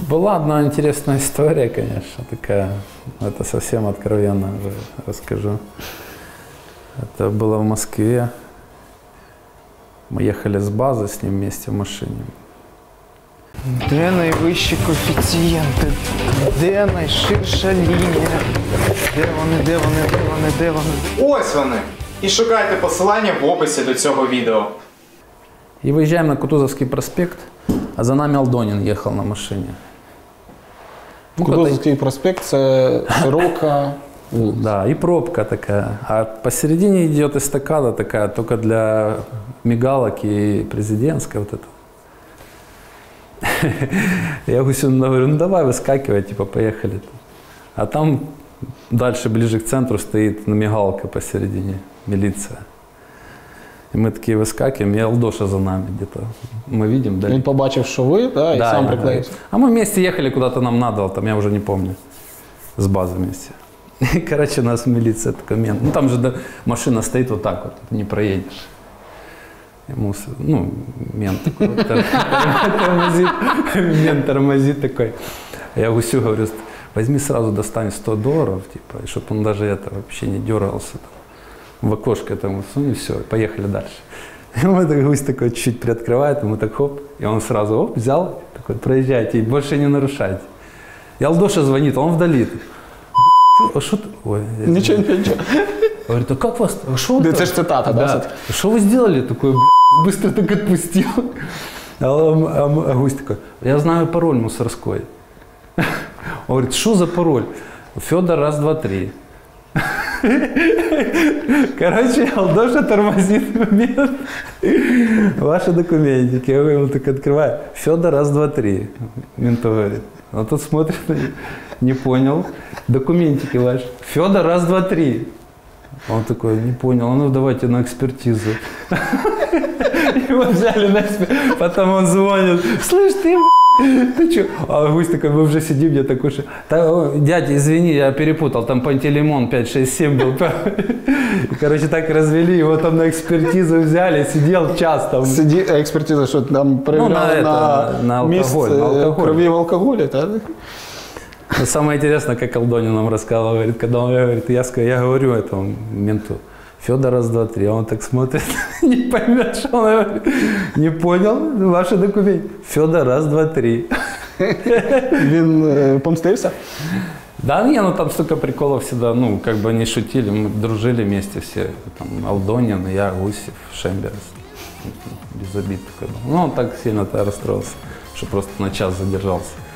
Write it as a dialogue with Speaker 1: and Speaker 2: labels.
Speaker 1: Была одна интересная история, конечно, такая, это совсем откровенно уже расскажу. Это было в Москве. Мы ехали с базы с ним вместе в машине.
Speaker 2: Де найвищі коефіцієнти? Де найширша лінія? Де вони?
Speaker 3: Ось вони! І шукайте посилання в описі до цього відео.
Speaker 1: И выезжаем на Кутузовский проспект, а за нами Алдонин ехал на машине.
Speaker 4: Кутузовский проспект – це широка вулиця.
Speaker 1: Да, и пробка такая. А посередине идет эстакада такая, только для мигалок и президентская вот это. Я Гусину говорю, ну давай выскакивай, типа поехали. А там дальше, ближе к центру, стоит мигалка посередине, милиция. И мы такие выскакиваем, и Алдоша за нами где-то. Мы видим, да.
Speaker 4: Він побачив, що ви, да, і сам приклеївся.
Speaker 1: А мы вместе ехали куда-то нам надо, там я уже не помню, с базы вместе. И, короче, нас милиция, такой мент. Ну там же машина стоит вот так вот, не проедешь. Ему, ну, мент такой, тормозит, мент тормозит такой. Я Гусю говорю, возьми сразу достань $100, типа, и чтобы он даже это вообще не дергался. В окошко этому сунь, и все, поехали дальше. И вот Гусь такой чуть-чуть приоткрывает, ему так хоп, и он сразу оп, взял, такой, проезжайте, и больше не нарушайте. И Алдоша звонит, он вдали. А что ты? Ой,
Speaker 4: Ничего.
Speaker 1: говорит, а как вас? А что
Speaker 4: Это же цитата, да?
Speaker 1: Что вы сделали? Такой, быстро так отпустил. А Гусь такой, я знаю пароль мусорской. Он говорит, что за пароль? Федор, раз, два, три. Короче, Алдоша тормозит момент. Ваши документики. Я его так открываю. Федор, раз, два, три. Менту говорит. Он тут смотрит, не понял. Документики ваши. Федор, раз, два, три. Он такой, не понял, ну давайте на экспертизу. Его взяли на экспертизу. Потом он звонит. Слышь, ты что? А Гусь такой, мы уже сидим, я такой, что... Дядя, извини, я перепутал, там Пантелеймон 5, 6, 7 был. И, короче, так развели, его там на экспертизу взяли, сидел час там.
Speaker 4: Экспертиза, что там проверяли
Speaker 1: на алкоголь,
Speaker 4: крови в алкоголе, да?
Speaker 1: Но самое интересное, как Алдонин нам рассказывал, говорит, когда он говорит, я говорю этому менту, Федор, раз, два, три, а он так смотрит, не поймет, что он говорит, не понял, ваши документы, Федор, раз, два, три.
Speaker 4: Він помстився?
Speaker 1: Да, не, ну там столько приколов всегда, ну, как бы они шутили, мы дружили вместе все, там, Алдонин, я, Гусев, Шемберс, без обид такой был. Ну, он так сильно-то расстроился, что просто на час задержался.